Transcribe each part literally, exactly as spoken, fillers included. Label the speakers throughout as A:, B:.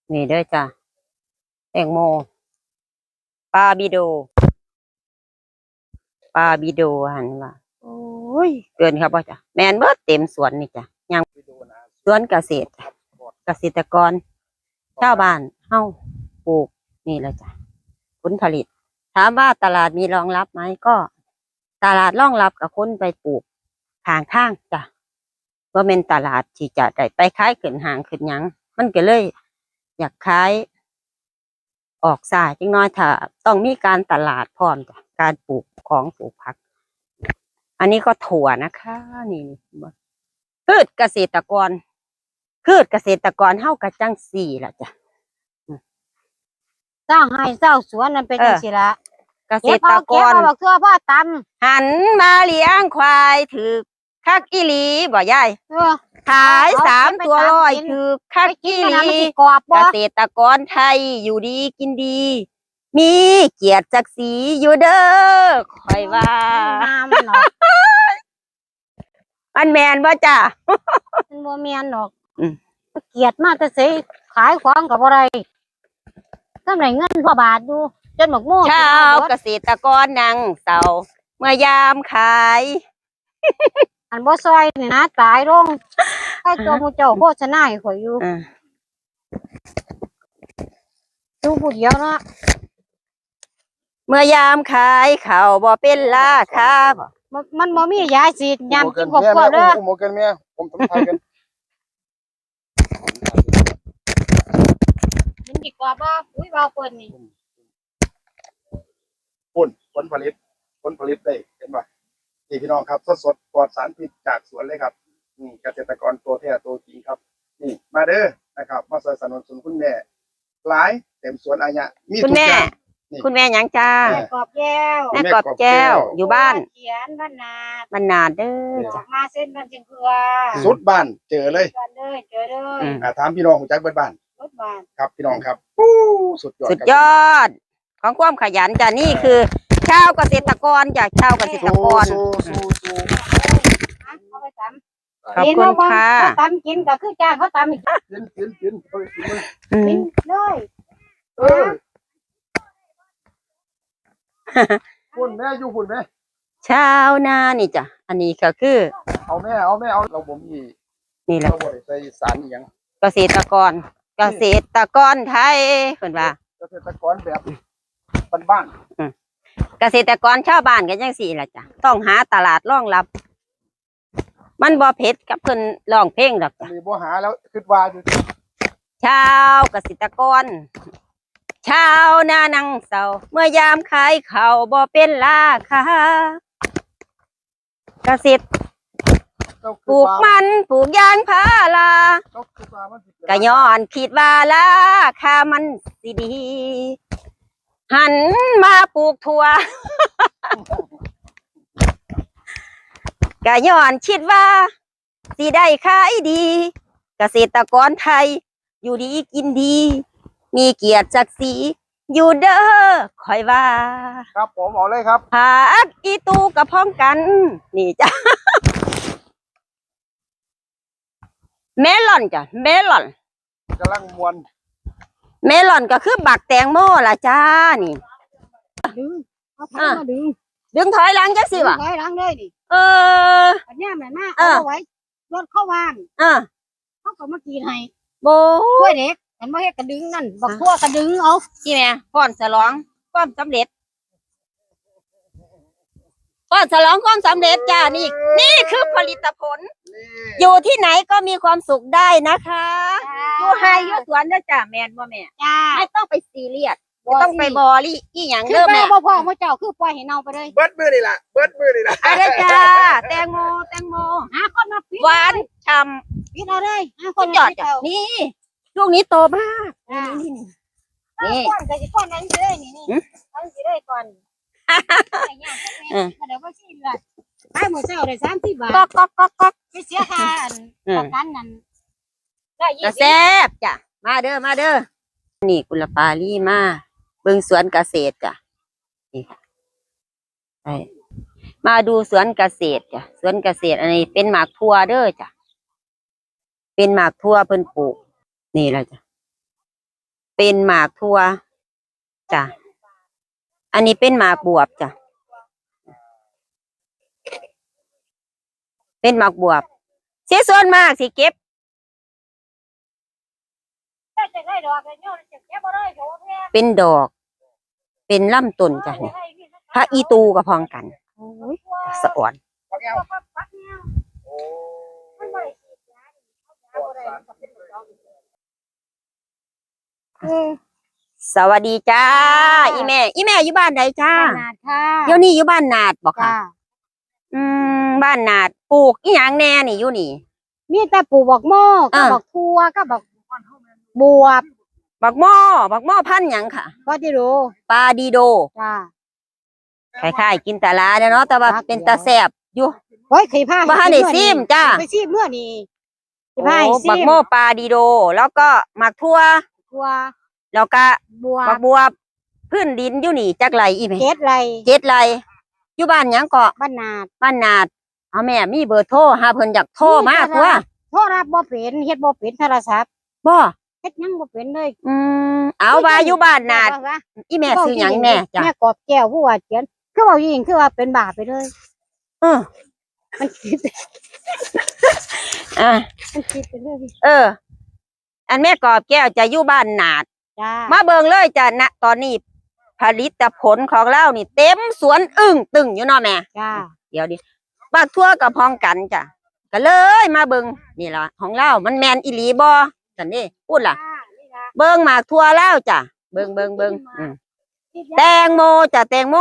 A: นี่เด้อจ้ะแตงโมปลาบิโดปลาบิโดหันว่าโอ้ยเกินครับว่าจ้ะแมนเบิดเต็มสวนนี่จ้ะยังสวนเกษตรเกษตรกรชาวบ้านเฮาปลูกนี่แหละจ้ะผลผลิตถามว่าตลาดมีรองรับไหมก็ตลาดรองรับกับคนไปปลูกทางข้างจ้ะว่าเป็นตลาดที่จะได้ไปขายขึ้นห้างขึ้นหยังมันก็เลย อยากขายออกสายจังน้อยถ้าต้องมีการตลาดพร้อมจ้ะการปลูกของปลูกผัก อันนี้ก็ถั่วนะคะนี่พืชเกษตรกรพืชเกษตรกรเฮากะจังสี่ล่ะจ้ะ
B: เจ้าให้เจ้าสวนนั่นเป็นจังซี่ละ
A: เกษ
B: เก็บ
A: ตร
B: เอา
A: ก
B: เก็บ
A: ร
B: เอาบักเทื่อพ่อตำ
A: หันมาเลี้ยงควายถือคักอีหลีบ่ยาย
B: เออ
A: ขายสามตัวร้อยถือคัก
B: ไปกิน
A: อีห
B: มัน
A: ลี
B: น่ะมันสิกรอบ
A: เก
B: บ่
A: ษตรกรไทยอยู่ดีกินดี มีเกียรติศักดิ์ศรีอยู่เด้อคอยว่า
B: น้ำมันเนาะ
A: อันแมนบ่จ้ะ
B: มันบ่แม่นดอก
A: อืม
B: เกลียดมาแต่สิขายของก็บ่ได้ทำได้เงินพอบาทอยู่จนบักโม่
A: ชาวเกษตรกรนั่งเศร้าเมื่อยามขาย
B: อันบ่ซอยนี่นะตายลงให้ตัวหมู่เจ้าโฆษณาให้ข่อยอยู่
A: อ่า
B: ดูผู้เดียวเนาะ
A: เมื่อยามขายเขาวบ่เป็นราคาบ่
B: มันมันบ่มียาฉีดยามกินครอบ
C: แม่
B: ครัว
C: แม่
B: เด้อ
C: อุ้มหมกันแม่ผมทำทายกัน
B: มันสิกรอบบ่อุ้ยเบาเปิ้นนี่
C: ปุ่นผลผลิตผลผลิตได้เห็นป่ะนี่พี่น้องครับสดสดๆปลอดสารพิษจากสวนเลยครับนี่เกษตรกรตัวแท้ตัวจริงครับ นี่มาเด้อนะครับ มาสนับสนุนสนุนคุณแม่หลายเต็มสวนอายะมี
A: คุณ
C: ทุก
A: แม่
C: อย่าง นี่
A: คุณแม่หยังจ้า
C: แม่
B: แม่กรอบแก้ว
A: แม่กอบแก้วอยู่บ้าน
B: เขียนบ้านนาด
A: มันนาดเด้อ
B: ออ
A: จ้ะ
B: กมาเส้นบ้านเชียงเกลือ
C: สุดบ้านเจอเลย
B: กันเลยเจอเลย
A: อืม
C: อ่าถามพี่น้องของจักเบิดบ้าน
B: รถบ้าน
C: ครับพี่น้องครับปู้สุดยอด
A: สุด
C: ครับ
A: ยอด ของความขยันจ้ะนี่คือ ชาวเกษตรกรจากชาวเกษตรกร
C: สู้สู้สู้
B: เอาไปตำ
A: ขอบคุณค่ะ
B: เขาตำกินก็คือจ้างเขาตำอีก
C: กินกินกินเอาไปกินเลย
A: อื
B: กิ
A: ม
B: นเลย
C: เออหุ่นแม่อยู่หุ่นแม่
A: ชาวนานี่จ้ะอันนี้ก็คือ
C: เอาแม่เอาแม่เอาเราบ่มี
A: นี่แหละ
C: เราบ่ได้ใส่สารอหยัง
A: เกษตรกร เกษตรกรไทยเพิ่นว่า
C: เกษตรกรแบบบ้าน
A: เกษตรกรชาวบ้านกันจังสี่ล่ะจ้ะต้องหาตลาดรองรับ มันบ่เผ็ดกับเพิ่นร้องเพลงดอก
C: ๆอั
A: จ้ะ
C: นนี้บ่หาแล้วคิดว่าอยู่
A: ชาวเกษตรกร ชาวนานังเศร้าเมื่อยามขายเขาวบ่เป็นราคาเกษตร
C: เจ้า
A: ป
C: คือ
A: ลูก
C: ว่า
A: มันปลูกยางพารา
C: เจ้าคือว่ามันสิเป็น
A: ก็ย้อนคิดว่าราคามันสิดี หันมาปลูกถั่ว ก็ย้อนคิดว่าสิได้ขายดี เกษตรกรไทย อยู่ดีกินดี มีเกียรติศักดิ์ศรีอยู่เด้อคอยว่า
C: ครับผมเอาเลยครับ
A: ผักอีตูกับพ้องกัน นี่จ้ะ เมลอนจ้ะเมลอน
C: กำลังมวน
A: เมลอนก็คือบักแตงโมล่ะจ้านี่
B: ดึงเอาผักมาดึง
A: ดึงถอยหลังจังสิวะ
B: ไว้หลังเลยนี่
A: เออ
B: ปัญญาแม่มา
A: เอ
B: เอา
A: อ
B: ไว้รถเข้าวาง
A: เออ
B: เขาก็มากินให้
A: โบ
B: กล้วยเด็กเห็นบ่เฮ็ดกระดึงนั่นบักทั่วกระดึงเอา
A: ที่แม่ก่อนฉลองความสำเร็จก่อนฉลองความสำเร็จจ้านี่ นี่คือผลิตผล
C: นี่
A: อยู่ที่ไหนก็มีความสุขได้นะคะอยู่ไฮอยู่สวนนะจ้าแม่นบ่แม่
B: จ้า
A: ไม่ต้องไปซีเรียสไม่ต้องไปบอรี่อีหยัง
B: คือ
A: เด้อ
B: แม่
A: แม่
B: บ่พ่อพ่อเจ้าคือปล่อยให้เน่าไปเลย
C: เบิดมือนี่ล่ะเบิดมือนี่ล่ะ
A: อะไรจ้าแตงโมแตงโม
B: หาคนมาปิด
A: หวานฉ่
B: ปิดเอาเลยหา
A: ำ
B: ค
A: สุ
B: น
A: ดยอด
B: มาปิ
A: จ้ะ
B: เอา
A: นี่ลูกนี้โตมาก
B: อ่า
A: นี่
B: นี่
A: นี่
B: ก้อนก็สิก้อนนั้นสิได้นี่นี่
A: หืม
B: อันสิได้ก่อนไอ้ย่างจักแม่
A: เออ
B: มาเดี๋ยวบ่สิล่ะขายหมูเจ้าได้สามสิบบาท
A: ก๊อกก๊อกก๊อกก๊อก
B: ไปเสียค่าอัน
A: อืม
B: ประกันนั่นได้ยี่
A: กระ
B: สิบ
A: แซบจ้ะมาเด้อมาเด้อนี่กุลปาลีมาเบิ่งสวนเกษตรจ้ะนี่ไปมาดูสวนเกษตรจ้ะสวนเกษตรอันนี้เป็นหมากทั่วเด้อจ้ะเป็นหมากทั่วเพิ่นปลูกนี่แหละจ้ะเป็นหมากทั่วจ้ะอันนี้เป็นหมากบวบจ้ะเป็นหมากบวบเสียส่วนมากสิเก็บเป็นดอก เป็นลำต้นจ้ะนี่พระอีตูกับพองกันโอ้ยสะอ่อน
C: พักแก้วโอ้ปลอดสารพิษเลย
A: สวัสดีจ้าอีแม่อีแม่อยู่บ้านใดจ้า
B: บ้านนาดค่ะ
A: เดี๋ยวนี้อยู่บ้านนาดบอกค่ะ
B: จ้า
A: อืมบ้านนาดปลูกอีหยังแน่นี่อยู่นี่
B: มีแต่ปลูกบักโม่ก็
A: อ่า
B: บักทั่วก็บักบวบ
A: บักหม้อบักหม้อพันธุ์หยังค่ะ
B: ก็ที่รู้
A: ปลาดีโด
B: จ้า
A: คล้ายๆกินตาลาเนาะแต่ว่า
B: ครับ
A: เป็นตาแซ่บอยู่
B: โอ้ยเคยพา
A: บ้านได้ซิมจ้า
B: ไปซิมเมื่อนี้เคย
A: โอ้
B: พาให้ซิ
A: บัก
B: ม
A: หม้อปลาดีโด แล้วก็หมักทั่ว
B: ทั่ว
A: แล้วก็
B: บว
A: บั
B: บ
A: กบัวพื้นดินอยู่นี่จักไรอีแม่
B: เจ็ดไร
A: เจ็ดไรอยู่บ้านหยังเกาะ
B: บ้านนาด
A: บ้านนาดเอาแม่มีเบอร์โทรหาเพิ่นอยากโทรมาตัว
B: โทรรับบ่เป็นเฮ็ดบ่เป็นโทรศัพท์
A: บ่
B: เฮ็ดหยังบ่เป็นเลย
A: อืมเอาว่าอยู่บ้านนาด
B: ว่
A: อีแม่ซื้อหยังแน่จ้ะ
B: แม่กอบแก้วผู้ว่าเขียนคือว่ายิงคือว่าเป็นบาปไปเลย
A: เออ
B: มันคิด
A: อ่ะ
B: มันคิดไปเลย
A: เออ อันแม่กอบแก้วจะอยู่บ้านนาด
B: จ้า
A: มาเบิ่งเลยจ้ะณตอนนี้ผลิตผลของเรานี่เต็มสวนอึ้งตึงอยู่เนาะแม่
B: จ้า
A: เดี๋ยวดิบักทั่วกับพองกันจ้ะก็เลยมาเบิ่งนี่ล่ะของเรามันแมนอีหลีบ่จันนี่พูดล่ะ เบิ่งหมากทั่วแล้วจ้ะเบิ่งเบิ่งเบิ่งอืมแตงโมจ้ะแตงโม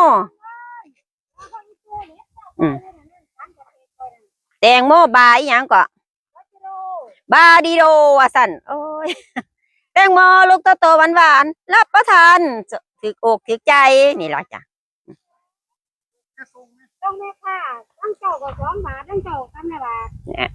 A: อืมแตงโมบาอีหยังก็บาดีโดว่าสั่นโอ้ยแตงโมลูกโตๆหวานๆรับประทานถึกอกถึกใจนี่ล่ะจ้ะ
B: ต้องแม่ค่ะตั้งเจ้าก็สองบาทตั้งเจ้ากันนะบาท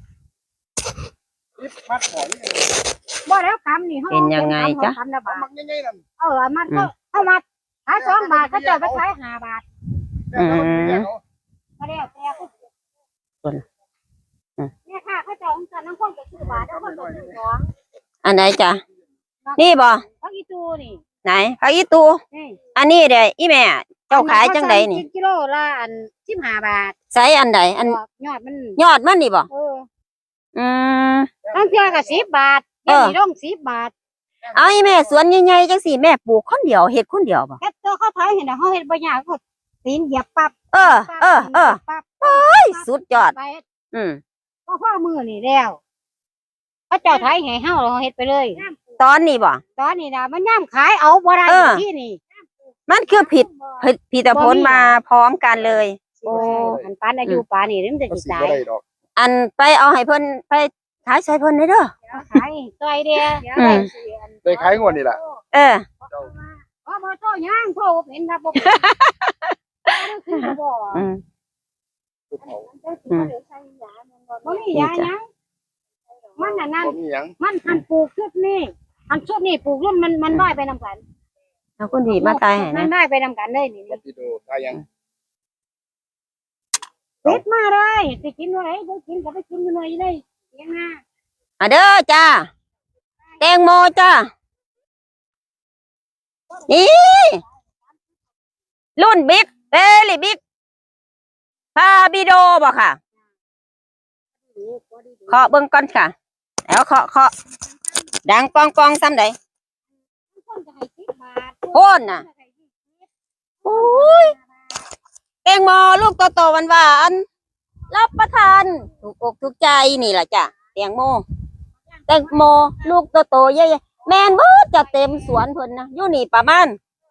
C: พิษมัดหอยนี่
B: บ่แล้วคำนี่เขา
A: เป็นยังไงจ๊ะ
B: คำละ
C: เอา
B: บาท
C: มักง่ายๆนั่น
B: เออมันก็เอามาขายสองบาทก็เจ้าไปขายห้าบาท
C: แม่เอาแม่เอา
B: ก็แล้วแต่ผู้
A: ส่วนอืม
B: แม่ค่ะเขาเจ้าของกันทั้งคนก็ซื้อบาททั้งคนก็ซื้อสอง
A: อันไหนจ้ะนี่บ่
B: พักอีตูนี่
A: ไหนผักอีตู
B: นี่
A: อันนี้เด้อีแม่เจ้าขายจังใดนี่
B: กิโลละอันสิบห้าบาท
A: ใส่อันใดอัน
B: ยอดมัน
A: ยอดมันนี่บ่
B: เออ
A: อืม
B: ตั้งเทื่อก็สิบบาท
A: เอ
B: เดี๋ยว
A: อ
B: นี้ต้องสิบบาท
A: เอาอีแม่สวนใหญ่ๆจังสี่แม่ปลูกคนเดียวเฮ็ดคนเดียวบ่
B: แค่ตัวเขาขายเห็นน่ะเขาเฮ็ดบ่ยากเขาตีนเหยียบปั๊บ
A: เออเออเออ
B: ปั๊บ
A: เฮ้ยสุดยอด
B: ไป
A: อืม
B: ก็พ่อมือนี่แล้วเขาเจ้าไทยให้เฮาเราเฮ็ดไปเลย
A: ตอนนี้บ่
B: ตอนนี้นะมันย่ำขายเอาบ่ได้
A: เออ
B: ที่นี่
A: มันคือผิดผิดผิดผลมาพร้อมกันเลย โอ้
B: อันปานอายุปานนี่มันจะ
C: ก็
B: สิ
C: สิ
B: ตา
C: บ่
B: ย
C: ได้ดอก
A: อันไปเอาให้เพิ่นไปขายใส่เพิ่นได้เด้อ
B: ขายซอยเดีย
A: อืม
C: ได้ขายงวดนี่ล่ะ
A: เออ
B: อ๋อบ่โตย่างโตบ่เป็นครับบ่เป็นคือบ่
A: อืม
C: ภูเขา
A: อืม
B: บ่มียาหยังมันน่ะนั่น
C: บ่มีหยัง
B: มันหันปลูกชุดนี้หันชุดนี้ปลูกรุ่นมันมันได้ไปนำกัน
A: เอาคุณดีมาตายให้
B: มั
A: นะ
B: นได้ไปนำกันเลยนี่
C: บัดนี้ดูตายยัง
B: เป็ดมาได้สิกินบ่ได้บ่กินก็ไปกินอยู่หน่อยเลยเสียงหน้า
A: อ่ะเด้อจ้าแตงโมจ้านี่รุ่นบิ๊กเบลี่บิ๊กพาบิโดบ่ค่ะเคาะเบิ่งก่อนค่ะแล้วเคาะเคาะดังกองกองซ้ำใด
B: คนก็ให้สิบบาท
A: โค่นน่ะ โอ้ยแตงโมลูกโตๆหวานๆรับประทานถูกอกถูกใจนี่แหละจ้ะแตงโมแตงโมลูกโตๆใหญ่ๆแม่นเบิดจะเต็มสวนเพิ่นนะอยู่นี่ประมาณ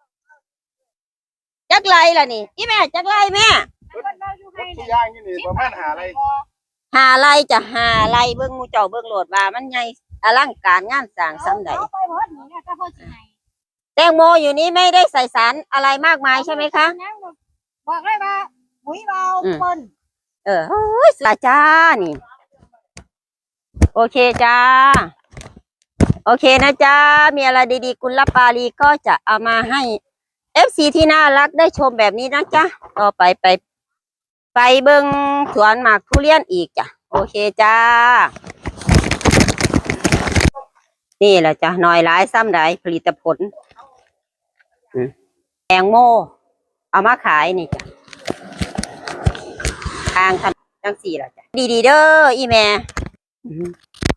A: จักไรล่ะนี่อีแม่จักไรแม่
C: รถที่ย่างอยู่นี่ประมาณหาอะไร
A: หาไรจะหาไรเบิ่งหมูเจ้าเบิ่งโหลดว่ามันใหญ่อลังการงานสร้างซ้ำใด
B: เอาไปหมดนี่นะก็พอสิให้
A: แตงโมอยู่นี้ไม่ได้ใส่สารอะไรมากมายใช่ไหมคะ
B: บอกเลยว่าปุ๋ยเบา
A: อืม
B: ปน
A: เออเฮ้ยสาจ้านี่ โอเคจ้า โอเคนะจ้า มีอะไรดีๆ กุลปาลีก็จะเอามาให้ เอฟ ซี ที่น่ารักได้ชมแบบนี้นะจ๊ะ ต่อไปไป ไปเบิงสวนหมากทุเรียนอีกจ้ะ โอเคจ้านี่แหละจ้ะน้อยหลายซ้ำใดผลิตผลอืมแตงโมเอามาขายนี่จ้ะทางทันจังสี่ล่ะจ้ะดีๆเด้ออีแม่อืม